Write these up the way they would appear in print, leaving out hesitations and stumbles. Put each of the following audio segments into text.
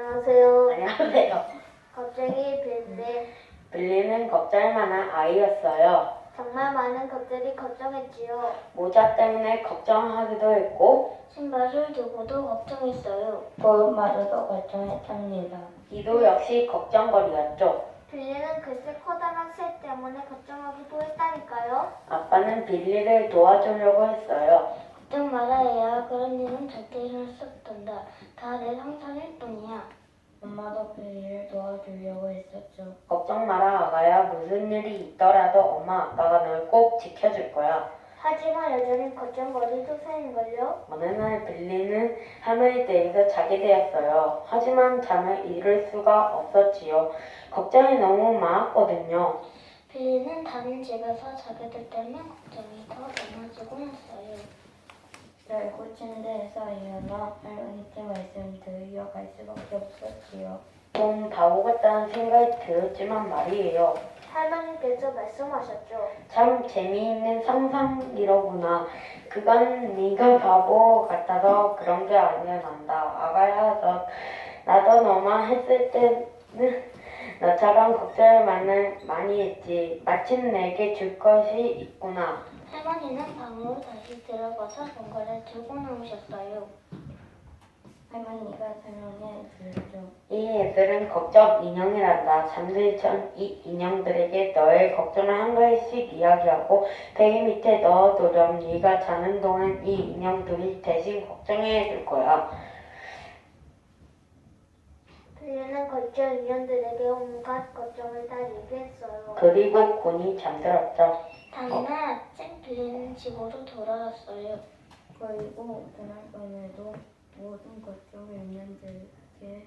안녕하세요. 안녕하세요. 겁쟁이 빌리. 빌리는 겁잘 만한 아이였어요. 정말 많은 것들이 걱정했지요. 모자 때문에 걱정하기도 했고 신발을 두고도 걱정했어요. 볼마저도 걱정했답니다. 이도 역시 걱정거리였죠. 빌리는 글쎄 커다란 새 때문에 걱정하기도 했다니까요. 아빠는 빌리를 도와주려고 했어요. 걱정 말아야 그런 일은 절대 일어날 수 없단다. 다 내 상상일 뿐이야. 엄마도 빌리를 도와주려고 했었죠. 걱정 마라 아가야. 무슨 일이 있더라도 엄마 아빠가 널 꼭 지켜줄 거야. 하지만 여전히 걱정거리도 새인걸요. 어느 날 빌리는 할머니 댁에서 자게 되었어요. 하지만 잠을 이룰 수가 없었지요. 걱정이 너무 많았거든요. 빌리는 다른 집에서 자게 될 때면 걱정이 더 많아지고 했어요. 결국 침대에서 일어나 할머니께 말씀 들으려 갈 수밖에 없었지요. 좀 바보 같다는 생각이 들었지만 말이에요. 할머니께서 말씀하셨죠. 참 재미있는 상상이로구나. 그건 네가 바보 같아서 그런 게 아니야 난다. 아가야 나도 너만 했을 때는 너처럼 걱정을 많이 했지. 마침 내게 줄 것이 있구나. 할머니는 방으로 다시 들어가서 뭔가를 들고 나오셨어요. 할머니가 설명해 주셨죠. 이 애들은 걱정 인형이란다. 잠들기 전 이 인형들에게 너의 걱정을 한가지씩 이야기하고 베개 밑에 넣어두렴. 네가 자는 동안 이 인형들이 대신 걱정해 줄 거야. 빌리는 걱정 인형들에게 온갖 걱정을 다 얘기했어요. 그리고 곤히 잠들었죠. 다음날 아침 빌리는 집으로 돌아왔어요. 그리고 그날 밤에도 모든 걱정을 인연들에게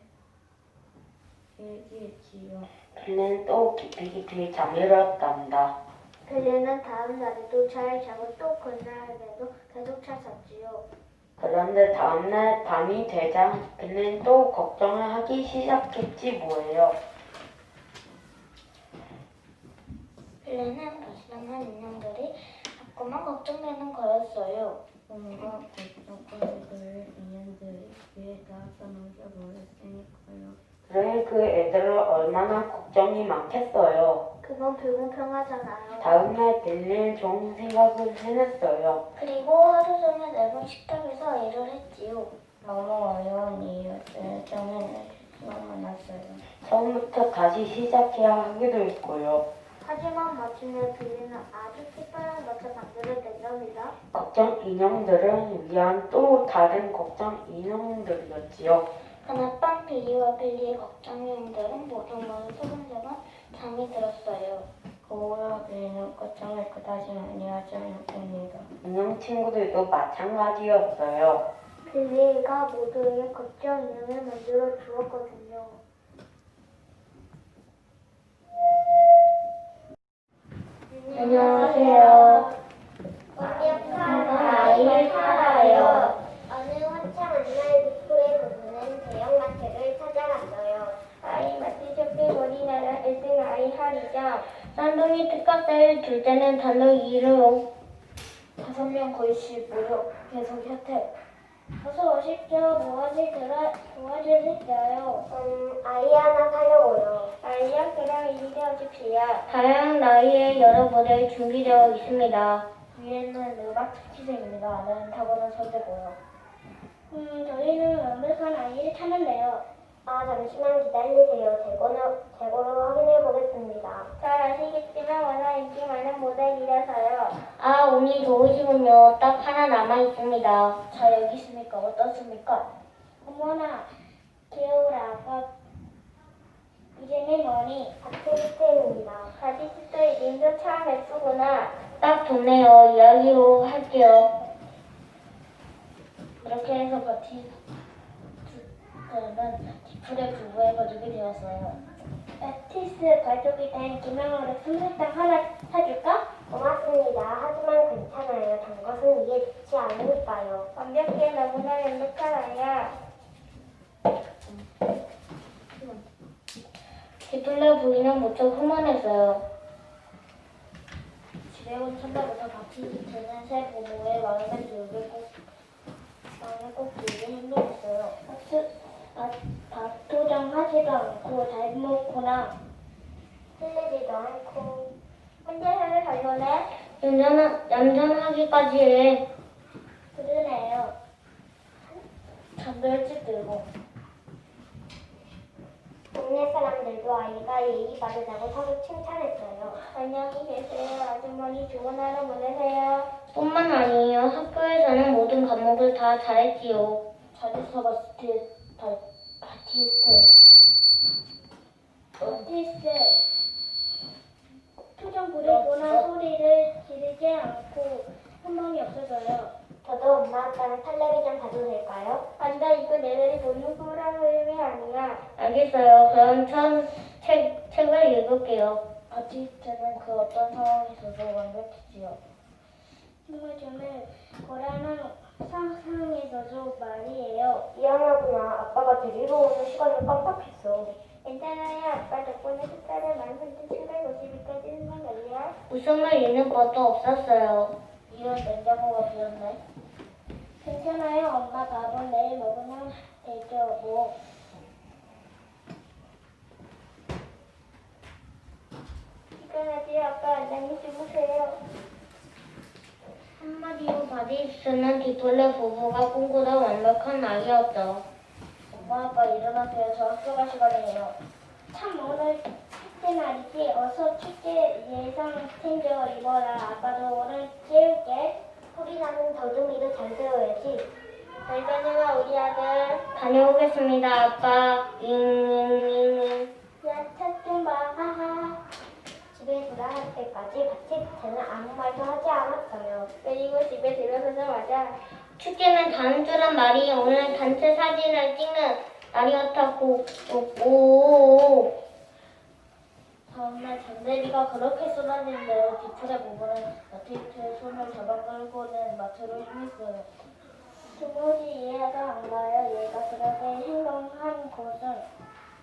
얘기했지요. 빌리는 또 깊이 잠이 들었답니다. 빌리는 다음 날에도 잘 자고 또 그날에도 계속 잘 잤지요. 그런데 다음날 밤이 되자 빌리는 또 걱정을 하기 시작했지 뭐예요. 빌리는 불쌍한 인형들이 자꾸만 걱정되는 거였어요. 뭔가 걱정거리를 인연들에게 다 써놓으셔버렸으니까요. 그래 그 애들은 얼마나 걱정이 많겠어요. 그건 불공평하잖아요. 다음날 빌리는 좋은 생각을 해냈어요. 그리고 하루 종일 넓은 식탁에서 일을 했지요. 너무 어려운 이유들 때문에 수가 많았어요. 처음부터 다시 시작해야 하기도 했고요. 하지만 마침내 빌리는 아주 특별한 것을 만들어 냈답니다. 걱정 인형들을 위한 또 다른 걱정 인형들이었지요. 그날 밤 빌리와 빌리의 걱정 인형들은 모두 소근소근 잠이 들었어요. 그 후로 빌리는 걱정을 그다지 많이 하지 않았습니다. 인형 친구들도 마찬가지였어요. 빌리가 모두에게 걱정 인형을 만들어 주었거든요. 안녕하세요. 완벽한 아이를 살아요. 어느 화창한 날 북부에 거주는 대형마트를 찾아갔어요. 아이마트 쇼핑몰이라는 1등 아이 할이자 쌍둥이 특가세일 둘째는 단독 2로 5명 거의씩 모여 계속 혜택. 어서 오십시오. 도와주실까요? 아이 하나 사려고요. 아이야, 그럼 이리 오십시오. 다양한 나이의 여러 모델 준비되어 있습니다. 위에는 음악 특기생입니다. 아래는 타고난 천재고요. 저희는 완벽한 아이를 찾는데요. 잠시만 기다리세요. 재고로 확인해 보겠습니다. 잘 아시겠지만 워낙 인기 많은 모델이라서요. 운이 좋으시군요. 딱 하나 남아있습니다. 자, 여기 있으니까 어떻습니까? 어머나, 귀여우라. 이름이 뭐니? 바티스트입니다. 바디스트 이름도 참 예쁘구나. 딱 좋네요. 이야기로 할게요. 이렇게 해서 바티스트는 디플의 부부의 가족이 되었어요. 바티스트 가족이 된 기념으로 솜사탕 하나 사줄까? 고맙습니다. 하지만 괜찮아요. 단 것은 이해 좋지 않으니까요. 완벽해. 너무나 완벽한 아이야. 디플레 부인은 무척 흥분했어요. 집에 온 첫날부터 바티스트는 새 부모의 마음에 꼭 들게 행동했어요. 밥도장 틀리지도 않고 잘 먹거나 틀리지도 않고 혼자서는 잘 노네. 얌전하기까지 해. 그러네요. 잠도 일찍 들고. 동네 사람들도 아이가 예의 바르다고 서로 칭찬했어요. 안녕히 계세요. 아주머니 좋은 하루 보내세요. 뿐만 아니에요. 학교에서는 모든 과목을 다 잘했지요. 잘했어, 바티스트. 표정 부리거나 소리를 지르지 않고 한방이 없어져요. 저도 엄마 아빠랑 텔레비전 봐도 될까요? 아니다, 이거 내내리 보는 거라는 의미 아니야. 알겠어요. 그럼 처음 책을 읽을게요. 바티스트는 그 어떤 상황에서도 완벽했지요. 정말 거라는 상상에서도 말이에요. 미안하구나. 아빠가 데리러 오는 시간이 빡빡했어. 괜찮아요. 아빠 덕분에 숫자를 13,752까지 생각날려. 웃음을 잃는 것도 없었어요. 이런 냉장고가 비었네. 괜찮아요. 엄마 밥은 내일 먹으면 되죠. 뭐. 피곤하지? 아빠 안녕히 주무세요. 한마디로 바디스는 디플레 부부가 꿈꾸던 완벽한 아이였죠. 엄마 아빠 일어나세요. 저 학교 갈 시간이에요. 참 오늘 축제 날이지. 어서 축제 예상 챙겨 입어라. 아빠도 오늘 깨울게. 소리 나는 더듬이도 잘 세워야지. 잘 다녀와 우리 아들. 다녀오겠습니다, 아빠. 잉잉잉잉. 야, 차 좀 봐. 하하. 집에 돌아갈 때까지 바티스트는 아무 말도 하지 않았어요. 그리고 집에 들어서자마자 축제는 다음 주란 말이 오늘 단체 사진을 찍는 날이었다고. 오. 다음날 장대비가 그렇게 쏟아지는데 뒤틀에 부부는 바티스트의 손을 잡아 끌고는 마트로 향했어요. 도무지 이해가 안 가요. 얘가 그렇게 행동한 곳은.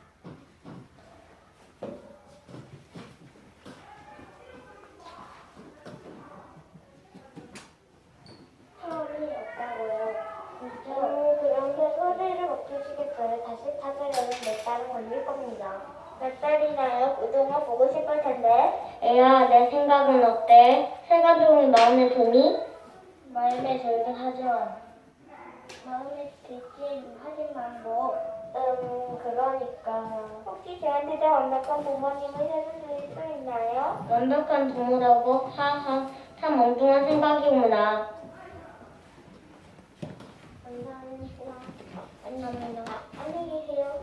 차원이 없다고요. 그런 게 소리를 못 주시겠어요. 다시 찾으려면 몇 달은 걸릴 겁니다. 몇 달이나요? 그동안 보고 싶을 텐데. 애야, 내 생각은 어때? 새 가족이 마음에 드니? 마음에 들긴 하지만 마음에 들긴 하지만 그러니까 혹시 저한테 더 완벽한 부모님을 찾아주실 수 있나요? 완벽한 부모라고? 하하, 참 엉뚱한 생각이구나. 감사합니다. 안녕히 계세요.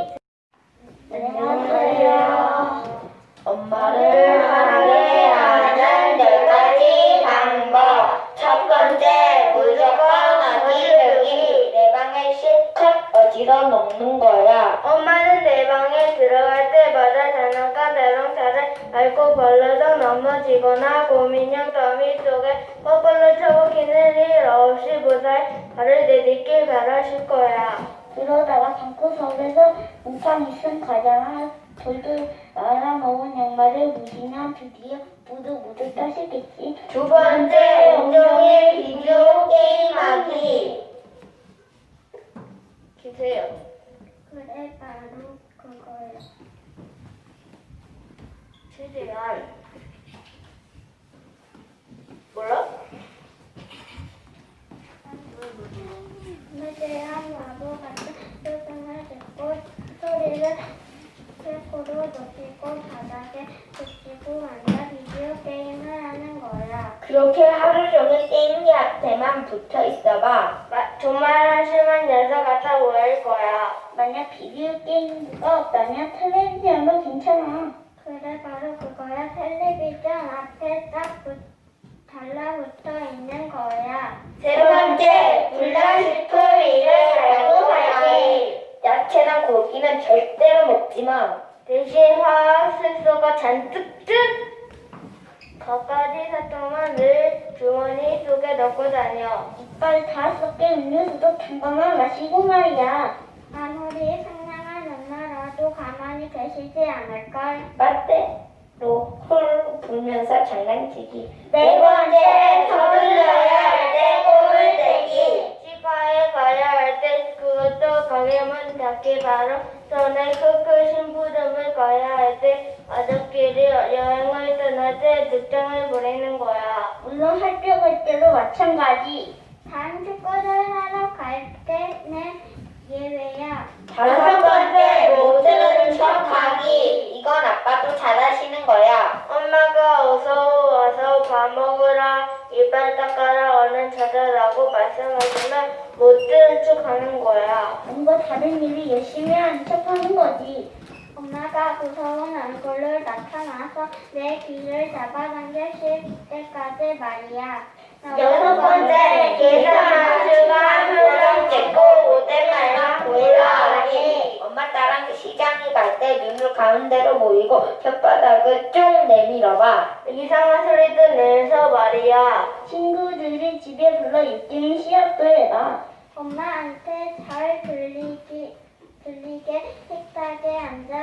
안녕하세요. 엄마를 사랑해 하는 10가지 방법. 첫 번째, 무조건 어지르기. 내 방을 실컷 어지러 놓는 거야. 엄마는 내 방에 들어갈 때마다 장난감 자동차를 밟고 벌러덩 넘어지거나 곰인형 더미 속에 거꾸로 쳐박히는 일 없이 무사히 발을 내딛길 바라실 거야. 그러다가 방구석에서 우판 있은 가장을 돌돌 말아먹은 양말을 묻으면 드디어 무드 떠시겠지. 두 번째, 온종일 비디오 게임하기. 주세요. 그래, 바로 그거야. 최대한 몰라? 무대한 바보 같은 표정을 짓고 소리를 최고로 높이고 바닥에 붙이고 앉아 비디오 게임을 하는 거야. 그렇게 하루 종일 게임기 앞에만 붙어 있어봐. 정말 한심한 녀석 같아 보일 거야. 만약 비디오 게임기가 없다면 텔레비전도 괜찮아. 그래, 바로 그거야. 텔레비전 앞에 딱 달라붙어 있는 거야. 세 번째, 불량식품 일을 알고 살기. 야채나 고기는 절대로 먹지 마. 대신 화학색소가 잔뜩 든 갖가지 사탕만 늘 주머니 속에 넣고 다녀. 이빨 다 썩게 음료수도 단거만 마시고 말이야. 아무리 상냥한 엄마라도 가만히 계시지 않을걸. 맞대로 콜 불면서 장난치기. 네 번째, 서둘러야 할 때 꿈을 대기. 치과에 가야 할 때 그것도 가게 문 닫기 바로 전에 큰 심부름을 가야 할 때 가족끼리 여행을 떠날 때 늦장을 보내는 거야. 물론 학교 갈 때도 마찬가지. 다른 축구를 하러 갈 때는 예외야. 5번째, 모든 척하기. 이건 아빠도 잘하시는 거야. 엄마가 어서 와서 밥 먹으라, 이빨 닦아라, 얼른 자자라고 말씀하시면 못 들은 척 하는 거야. 뭔가 다른 일이 열심히 하는 척 하는 거지. 엄마가 무서운 얼굴로 나타나서 내 귀를 잡아당기실 때까지 말이야. 6번째, 계산한 시간 표정 찍고 못된 말만 보이라 하니. 엄마 따랑 시장에 갈 때 눈을 가운데로 모이고 혓바닥을 쭉 내밀어봐. 이상한 소리도 내서 말이야. 친구들이 집에 불러 유치원 시합도 해라. 엄마한테 잘 들리게 식탁에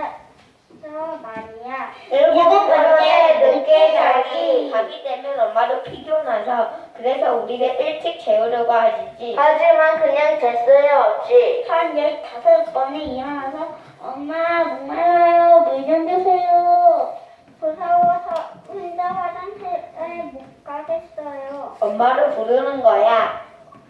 앉아서 말이야. 7번째, 늦게 자기. 자기 되면 엄마도 피곤하셔. 그래서 우리를 일찍 재우려고 하시지. 하지만 그냥 됐어요 없이 한 15번에 일어나서 엄마 목말라요 물 좀 주세요. 무서워서 혼자 화장실에 못 가겠어요. 엄마를 부르는 거야.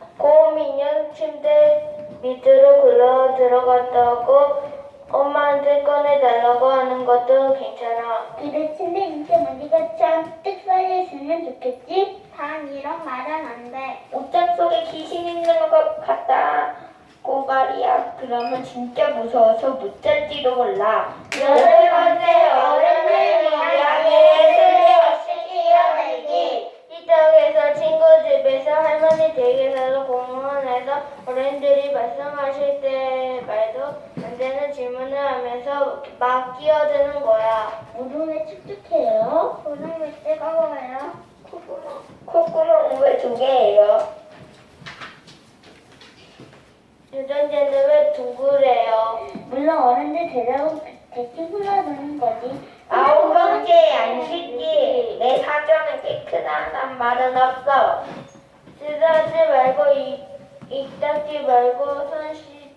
고민형 침대 밑으로 굴러 들어갔다고 엄마한테 꺼내달라고 하는 것도 괜찮아. 그래 침대 밑에 먼지가 잔뜩 쌓여있으면 좋겠지? 단 이런 말은 안 돼. 옷장 속에 귀신 있는 것 같다. 꼬가리야. 그러면 진짜 무서워서 못 잘지도 몰라. 8번째, 어른들 이야기에 쓸데없이 끼어들기. 시댁에서 친구 집에서 할머니 댁에서 공원에서 어른들이 말씀하실 때 말도 안 되는 질문을 하면서 막 끼어드는 거야. 무릎에 축축해요? 손은 왜 뜨거워요? 콧구멍 왜 2개예요? 유전자는 왜 둥그래요? 물론 어른들 대답은 대충 흘러드는 거지. 9번째, 안식기. 내 사전에 깨끗하단 말은 없어. 쓰다지 말고 입 닦지 말고 손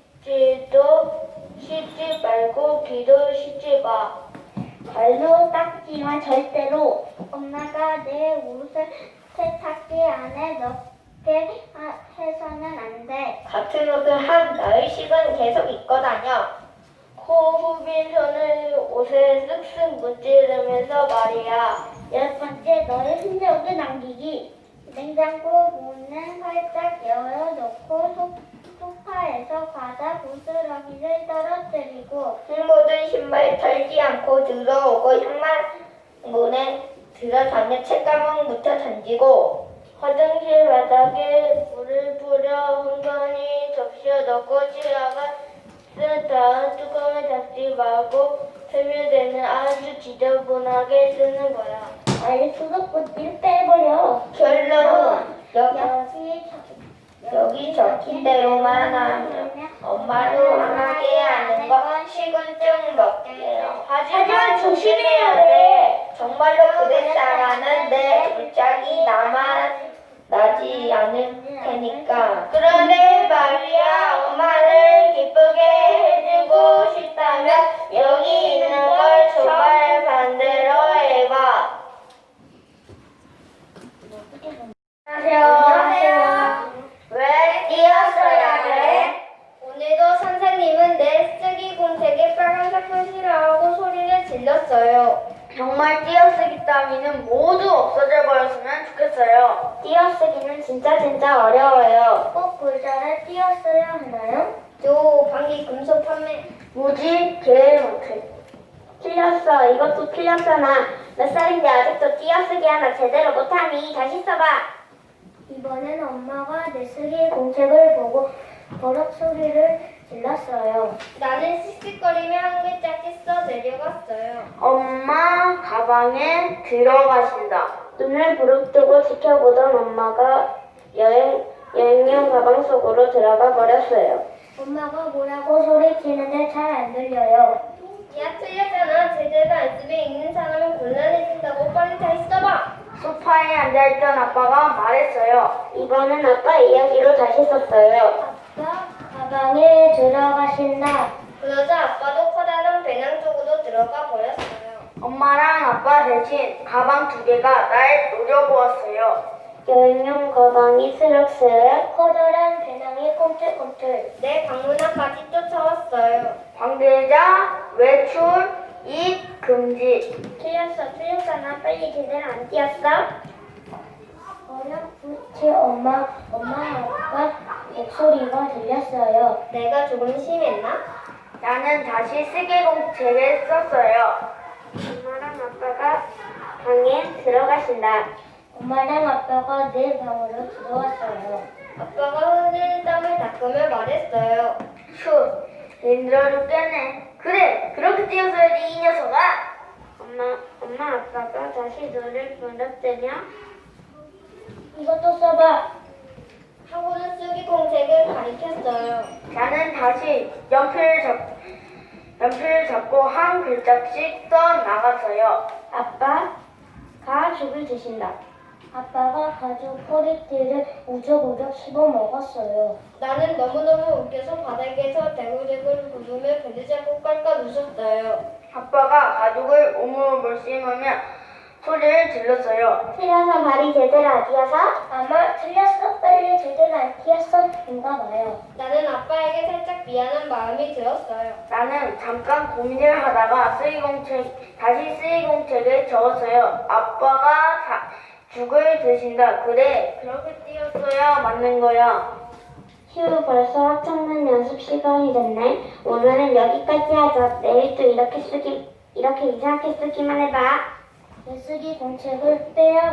씻지 말고 귀도 씻지 마. 발로 닦지만 절대로. 엄마가 내 옷을 세탁기 안에 넣게 해서는 안 돼. 같은 옷을 한 나흘씩은 계속 입고 다녀. 코 후빈 손을 옷에 쓱쓱 문지르면서 말이야. 10번째, 너의 흔적을 남기기. 냉장고 문은 활짝 열어놓고 소파에서 과자 부스러기를 떨어뜨리고 모든 신발 털지 않고 들어오고 향만 문에 들어서면 책가방 묻혀 던지고 화장실 바닥에 물을 뿌려 흥건히 접시에 넣고 치아가 쓴 다음 뚜껑을 닫지 말고 세면대는 아주 지저분하게 쓰는 거야. 아예 수도꼭지를 빼버려. 결론 여기 여기 적힌 대로만 하면 엄마를 화나게 하는 건 식은증 먹게요. 하지만 조심해야 돼. 정말로 그랬다라는 내 불짝이 나지 않을 테니까. 그런데 말이야, 엄마를 기쁘게 해주고 싶다면 여기 있는 걸 정말 반대로 해봐. 안녕하세요. 왜 뛰었어야 돼? 오늘도 선생님은 내 쓰기 공책에 빨간색 표시를 하고 소리를 질렀어요. 정말 띄어쓰기 따위는 모두 없어져 버렸으면 좋겠어요. 띄어쓰기는 진짜 어려워요. 꼭 글자를 띄어써야 하나요? 방귀 금속 판매. 뭐지? 제일 못해. 틀렸어. 이것도 틀렸잖아. 몇 살인데 아직도 띄어쓰기 하나 제대로 못하니 다시 써봐. 이번엔 엄마가 내 쓰기 공책을 보고 버럭 소리를 질렀어요. 나는 씩씩거리며 한 글자씩 써 내려갔어요. 엄마 가방에 들어가신다. 눈을 부릅뜨고 지켜보던 엄마가 여행용 가방 속으로 들어가 버렸어요. 엄마가 뭐라고 소리치는데 잘 안 들려요. 야 틀렸잖아. 제대로 안 쓰면 읽는 사람은 곤란해진다고. 빨리 다시 써봐. 소파에 앉아있던 아빠가 말했어요. 이번엔 아빠 이야기로 다시 썼어요. 아빠 가방에 들어가신 된다. 그러자 아빠도 커다란 배낭 속으로 들어가 버렸어요. 엄마랑 아빠 대신 가방 2개가 날 노려보았어요. 여행용 가방이 스럭스럭, 커다란 배낭이 꿈틀꿈틀. 내 방문 앞까지 쫓아왔어요. 관계자 외출 입 금지. 틀렸잖아. 빨리 제대로 안 뛰었어? 어렴풋이 엄마, 아빠 목소리가 들렸어요. 내가 조금 심했나? 나는 다시 쓰기공책을 썼어요. 엄마랑 아빠가 방에 들어가신다. 엄마랑 아빠가 내 방으로 들어왔어요. 아빠가 흘린 땀을 닦으며 말했어요. 휴, 힘들어 죽겠네. 그래, 그렇게 뛰었어야지 이 녀석아. 엄마 아빠가 다시 너를 부럽대며 이것도 써봐. 하고는 쓰기 공책을 가리켰어요. 나는 다시 연필을 잡고 한 글자씩 써 나갔어요. 아빠가 죽을 드신다. 아빠가 가죽 포리티를 우적우적 씹어 먹었어요. 나는 너무너무 웃겨서 바닥에서 대굴대굴 굴으며 배를 잡고 깔깔 웃었어요. 아빠가 가죽을 오물오물 씹으며 소리를 질렀어요. 틀려서 발이 제대로 안 뛰어서? 아마 틀렸어. 빨리 제대로 안 뛰었어. 인가 봐요. 나는 아빠에게 살짝 미안한 마음이 들었어요. 나는 잠깐 고민을 하다가 다시 쓰이공책에 적었어요. 아빠가 죽을 드신다. 그래, 그렇게 뛰었어야 맞는 거야. 휴, 벌써 합창단 연습 시간이 됐네. 오늘은 여기까지 하자. 내일 또 이렇게 이상하게 쓰기만 해봐. 쓰기 공책을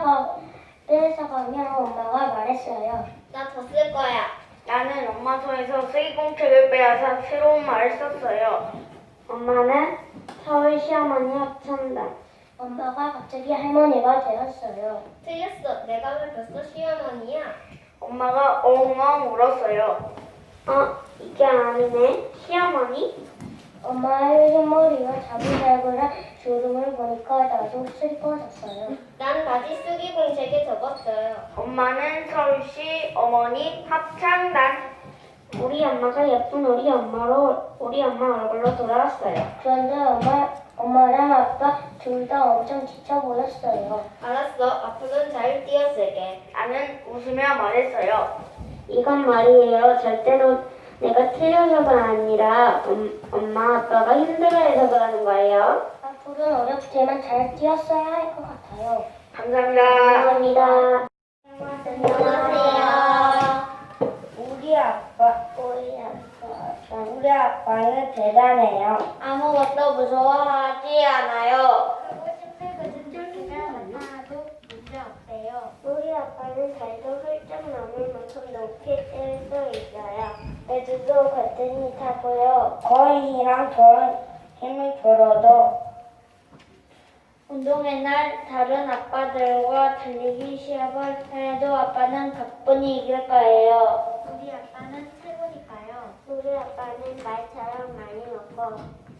뺏어가며 엄마가 말했어요. 나 더 쓸 거야. 나는 엄마 손에서 쓰이공책을 빼앗아 새로운 말을 썼어요. 엄마는 서울 시어머니 합창단. 엄마가 갑자기 할머니가 되었어요. 틀렸어. 내가 왜 벌써 시어머니야? 엄마가 엉엉 울었어요. 이게 아니네. 시어머니? 엄마의 흰머리와 자글자글한 주름을 보니까 나도 슬퍼졌어요. 난 다시 쓰기 공책에 적었어요. 엄마는 서울시 어머니 합창단. 우리 엄마가 예쁜 우리 엄마 얼굴로 돌아왔어요. 그런데 엄마랑 아빠 둘 다 엄청 지쳐 보였어요. 알았어. 앞으로는 잘 뛰어쓸게. 나는 웃으며 말했어요. 이건 말이에요. 절대로 내가 틀려서가 아니라 엄마 아빠가 힘들어해서 그러는 거예요. 앞으로는 어렵지만 잘 뛰었어야 할 것 같아요. 감사합니다. 감사합니다. 안녕하세요. 우리 아빠는 대단해요. 아무것도 무서워하지 않아요. 우리 아빠는 달도 훌쩍 넘을 만큼 높이 뜰 수 있어요. 애들도 같은 타고요. 거인이랑 저랑 힘을 줄어도 운동회 날 다른 아빠들과 달리기 시합을 해도 아빠는 가뿐히 이길 거예요. 우리 아빠는 최고니까요. 우리 아빠는 말처럼 많이 먹고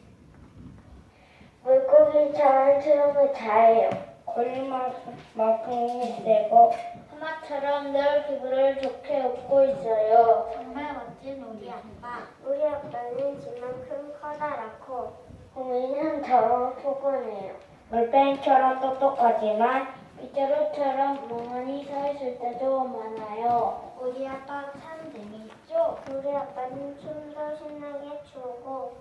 물고기처럼 트럼을 잘해요. 거리만큼 힘이 세고 하마처럼 늘 기분을 좋게 웃고 있어요. 정말 멋진 우리 아빠. 우리 아빠는 지만큼 커다랗고 고민은처럼 포근해요. 물병처럼 똑똑하지만 빗자루처럼 멍하니 서 있을 때도 많아요. 우리 아빠 참 재미있죠? 우리 아빠는 춤도 신나게 추고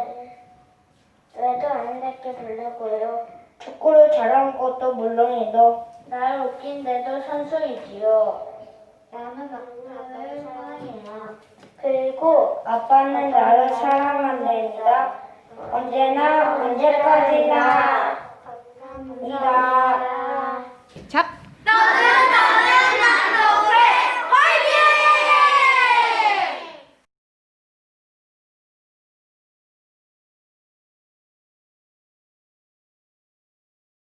뇌도 아름답게 부르고요. 축구를 잘하는 것도 물론이도 날 웃긴데도 선수이지요. 나는 아빠를 사랑해요. 그리고 아빠는 나를 사랑한답니다. 언제나 언제까지나 감사합니다. 잡!